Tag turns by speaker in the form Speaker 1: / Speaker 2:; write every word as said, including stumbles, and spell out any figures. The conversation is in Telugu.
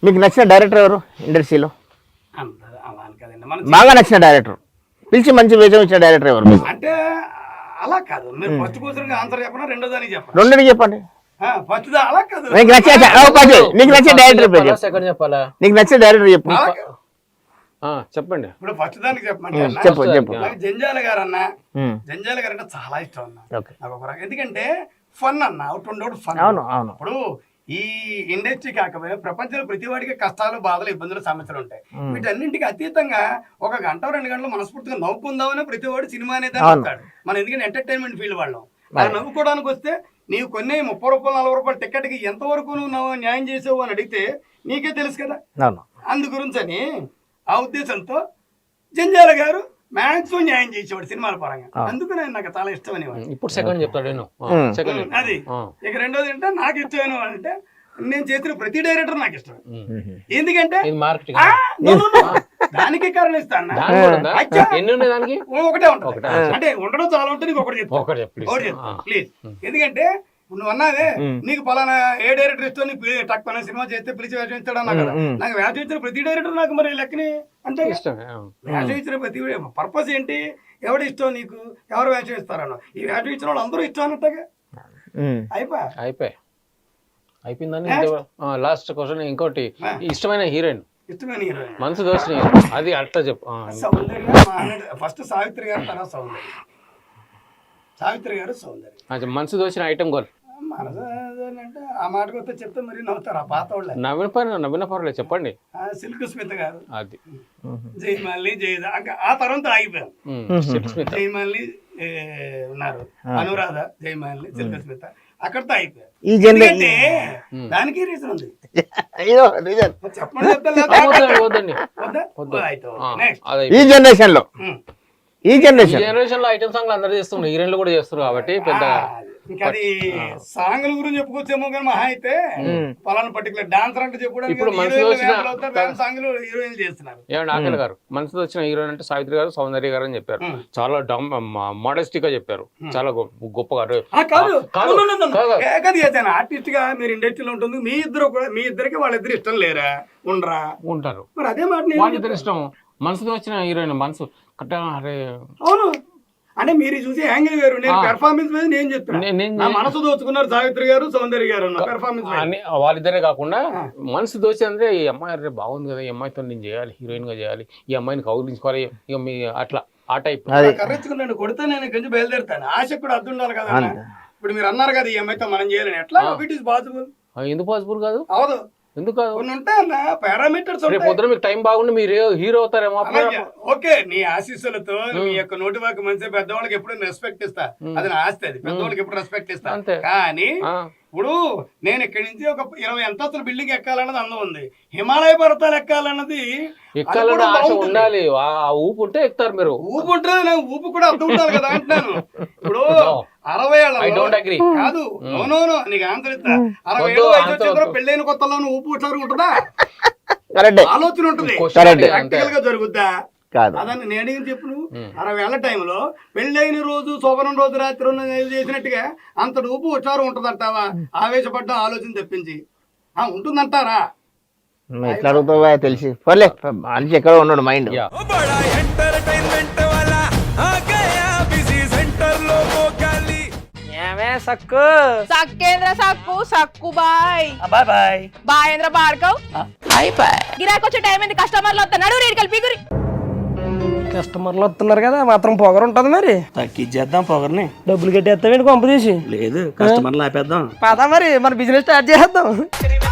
Speaker 1: మీకు నచ్చిన డైరెక్టర్ ఎవరు ఇండస్ట్రీలో?
Speaker 2: అంత అలా అని కదండి మన
Speaker 1: బాగా నచ్చిన డైరెక్టర్, పిలిచి మంచి వేషం ఇచ్చిన డైరెక్టర్ ఎవరు మీకు?
Speaker 2: అంటే అలా కాదు, మీరు ఫస్ట్ క్వశ్చన్ ఆన్సర్ చెప్పనా రెండో దానికి చెప్పండి?
Speaker 1: రెండుని చెప్పండి.
Speaker 2: ఫస్ట్ దా అలా కాదు,
Speaker 1: నీకు నచ్చే నీకు నచ్చే డైరెక్టర్ పేరు చెప్పు.
Speaker 3: సెకండ్ చెప్పాలా?
Speaker 1: నీకు నచ్చే డైరెక్టర్ చెప్పు.
Speaker 2: అలా కాదు.
Speaker 3: ఆ, చెప్పండి.
Speaker 2: ఇప్పుడు ఫస్ట్ దానికి చెప్పండి.
Speaker 1: చెప్పు చెప్పు.
Speaker 2: నాకు జంజాల గారు అన్న,
Speaker 1: ఉమ్.
Speaker 2: జంజాల గారు అంటే చాలా ఇష్టం అన్న.
Speaker 1: ఓకే.
Speaker 2: నాకు ఒక రకం ఎందుకంటే ఫన్ అన్న, ఒకటి ఉండోడు ఫన్.
Speaker 1: అవును అవును.
Speaker 2: ఇప్పుడు ఈ ఇండస్ట్రీ కాకపోతే ప్రపంచంలో ప్రతి వాడికి కష్టాలు, బాధలు, ఇబ్బందులు, సమస్యలు ఉంటాయి. వీటన్నింటికి అతీతంగా ఒక గంట రెండు గంటలు మనస్ఫూర్తిగా నవ్వుకుందామని ప్రతి వాడు సినిమా అనేది అంటాడు. మనం ఎందుకంటే ఎంటర్టైన్మెంట్ ఫీల్డ్ వాళ్ళం. అలా నవ్వుకోవడానికి వస్తే నీవు కొన్ని ముప్పై రూపాయలు నలభై రూపాయలు టికెట్కి ఎంతవరకు నువ్వు న్యాయం చేసావు అని అడిగితే నీకే తెలుసు కదా.
Speaker 1: అవును.
Speaker 2: అందు గురించి అని ఆ ఉద్దేశంతో జంజాల గారు మ్యాక్సిమం న్యాయం చేసేవాడు సినిమాల పరంగా. అందుకు నేను నాకు చాలా ఇష్టమైన వాడు.
Speaker 3: ఇప్పుడు సెకండ్ చెప్తాడు నేను. సెకండ్
Speaker 2: అది ఇక రెండోది అంటే నాకు ఇష్టమైన వాడు అంటే నేను చేసిన ప్రతి డైరెక్టర్ నాకు ఇష్టం. ఎందుకంటే
Speaker 3: మార్కెటింగ్
Speaker 2: ఆ, no, no, no. దానికి కారణం ఇస్తాను.
Speaker 3: ఎన్ని ఉన్నాయి దానికి?
Speaker 2: ఒకటే ఉంటుంది. అంటే ఉండడం చాలా ఉంటుంది. నీకు ఒకటి చెప్తా,
Speaker 3: ఒకటి చెప్పు,
Speaker 2: ఒకటి చెప్తా ప్లీజ్. ఎందుకంటే నువ్వు అన్నావే నీకు పలానా ఏ డైరెక్టర్ ఇష్టం, నీకు టక్ పలానా సినిమా చేస్తే పిలిచి వేషం ఇస్తాడు అన్నా కదా. నాకు వేషం ఇచ్చిన ప్రతి డైరెక్టర్ నాకు మరి లెక్కని అంటే
Speaker 3: ఇష్టమే.
Speaker 2: వేషం ఇచ్చిన ప్రతి పర్పస్ ఏంటి, ఎవడు ఇష్టం నీకు, ఎవరు వేషం ఇస్తారన్న. ఈ వేషం ఇచ్చిన వాళ్ళు అందరూ ఇష్టం అన్నట్టుగా అయిపోయా
Speaker 3: అయిపోయి అయిపోయిందని. లాస్ట్ క్వశ్చన్ ఇంకోటి, ఇష్టమైన హీరోయిన్?
Speaker 2: ఇష్టమైన హీరోయిన్
Speaker 3: మనసు దోషి, అది అట్లా చెప్పు.
Speaker 2: సౌందర్య ఫస్ట్ సావిత్రి గారు, తర్వాత సౌందర్య. సావిత్రి గారు, సౌందర్య.
Speaker 3: మనసు దోచిన ఐటమ్ గోల్
Speaker 2: మనసు అంటే ఆ మాటకు వస్తే చెప్తే మరి నవ్వుతారు ఆ పాత వాళ్ళే.
Speaker 3: నవీన పర్లేదు, నవీన పర్లేదు చెప్పండి.
Speaker 2: సిల్క్ స్మిత గారు,
Speaker 3: అది
Speaker 2: జయమాలిని, జయద ఆ తర్వాత ఆగిపోయాం. జయమాలిని ఉన్నారు, అనురాధ, జయమాలిని, సిల్క్ స్మిత, అక్కడితో అయిపోయారు.
Speaker 1: ఈ
Speaker 2: ఎందుకంటే దానికి రీజన్ ఉంది. చెప్పండి
Speaker 3: వద్దండి.
Speaker 1: ఈ జనరేషన్ లో ఈ జనరేషన్
Speaker 3: జనరేషన్ లో ఐటమ్ సాంగ్లు అందరూ చేస్తున్నారు, హీరోయిన్లు కూడా చేస్తున్నారు కాబట్టి పెద్ద
Speaker 2: ఇంకా అది సాంగ్ల గురించి చెప్పుకోవచ్చేమో కానీ మహా అయితే పలానా పర్టికులర్ డాన్సర్ అంటే చెప్పడానికి
Speaker 3: ఇప్పుడు మనసు
Speaker 2: సాంగ్లు హీరోయిన్లు చేస్తున్నారు.
Speaker 3: ఏమండి ఆకలి గారు, మనసులో వచ్చిన హీరోయిన్ అంటే సావిత్రి గారు, సౌందర్య గారు అని చెప్పారు. చాలా డమ్ మోడెస్టిక్ గా చెప్పారు, చాలా గొప్పగా.
Speaker 2: ఆర్టిస్ట్ గా మీరు ఇండస్ట్రీలో ఉంటుంది, మీ ఇద్దరు కూడా మీ ఇద్దరికి వాళ్ళిద్దరు ఇష్టం లేరా, ఉండరా?
Speaker 3: ఉంటారు.
Speaker 2: మరి అదే మాట
Speaker 3: వాళ్ళిద్దరు ఇష్టం. మనసులో వచ్చిన హీరోయిన్ మనసు కట్ట. అరే
Speaker 2: అవును, అంటే మీరు చూసి యాంగిల్ వేరు, నేను పెర్ఫార్మెన్స్ మీద నేను చెప్తాను. నా మనసు దోచుకున్నారు సావిత్రి గారు, సౌందర్య గారు పెర్ఫార్మెన్స్.
Speaker 3: వాళ్ళిద్దరే కాకుండా మనసు దోచి అంటే ఈ అమ్మాయి అరే బాగుంది కదా, ఈ అమ్మాయితో నేను చేయాలి, హీరోయిన్ గా చేయాలి, ఈ అమ్మాయిని కౌగిలించుకోవాలి, ఇక మీ అట్లా ఆ టైప్.
Speaker 2: కర్రెచ్చుకున్నాను కొడితే నేను కొంచెం బయలుదేరుతాను, ఆశ కూడా అర్థం ఉండాలి కదా. ఇప్పుడు మీరు అన్నారు కదా ఈ అమ్మాయితో మనం చేయాలని, ఎట్లా ఇట్ ఈస్ పాసిబుల్?
Speaker 3: ఎందుకు పాసిబుల్ కాదు?
Speaker 2: అవదు.
Speaker 3: ఎందుకు
Speaker 2: పారామీటర్స్
Speaker 3: పొద్దున మీకు టైం బాగుండి మీరు హీరో అవుతారేమో.
Speaker 2: ఓకే, నీ ఆశీస్సులతో మీ యొక్క నోటి వాకి మంచి పెద్దవాళ్ళకి ఎప్పుడు రెస్పెక్ట్ ఇస్తా, అది నా ఆస్తి, అది పెద్దవాళ్ళకి ఎప్పుడు రెస్పెక్ట్ ఇస్తా. కానీ ఇప్పుడు నేను ఇక్కడి నుంచి ఒక ఇరవై అంతస్తుల బిల్డింగ్ ఎక్కాలన్నది అందం ఉంది, హిమాలయ పర్వతాలు ఎక్కాలన్నది
Speaker 3: ఎక్కాలని ఆశ ఉండాలి. ఆ ఊపు ఉంటే ఎక్కుతారు మీరు.
Speaker 2: ఊపు ఉంటుంది, నాకు ఊపు కూడా అర్థం ఉండాలి కదా అంటున్నాను. ఇప్పుడు అరవై ఏళ్ళ కాదు, నోనో నీకు ఆన్సర్ ఇస్తా. అరవై ఏళ్ళు వయసు వచ్చిన పెళ్ళైన కొత్తలో ఊపు ఇట్లా ఉంటుందా? ఆలోచన ఉంటుంది, ప్రాక్టికల్ గా జరుగుద్దా? అదని నేను అడిగిన చెప్పు. నువ్వు అరవై ఏళ్ల టైంలో పెళ్ళైన రోజు శోభనం రోజు రాత్రి చేసినట్టుగా అంత ఊపు ఉచ్చారం ఉంటుందంటావా? ఆవేశపడ్డ ఆలోచన తెప్పించి ఉంటుందంటారా?
Speaker 1: ఎట్లా అడుగుతావా తెలిసి పోలే, మనిషి ఎక్కడ ఉన్నాడు మైండ్.
Speaker 4: సక్కు సక్కేంద్ర సక్కు సక్కు బాయ్
Speaker 2: బాయ్ బాయ్
Speaker 4: బాయేంద్ర భార్గవ్
Speaker 2: బాయ్ బాయ్.
Speaker 4: గిరాకి వచ్చే టైం ఏంది, కస్టమర్లు వస్తున్నాడు, రేడికల్ పిగురి.
Speaker 5: కస్టమర్లు వస్తున్నారు కదా, మాత్రం పొగరు ఉంటది మరి.
Speaker 2: తగ్గించేద్దాం పొగర్ని.
Speaker 5: డబ్బులు కట్టేస్తావేంటి కొంప తీసి?
Speaker 2: లేదు, కస్టమర్లు ఆపేద్దాం.
Speaker 5: పదా మరి మన బిజినెస్ స్టార్ట్ చేద్దాం.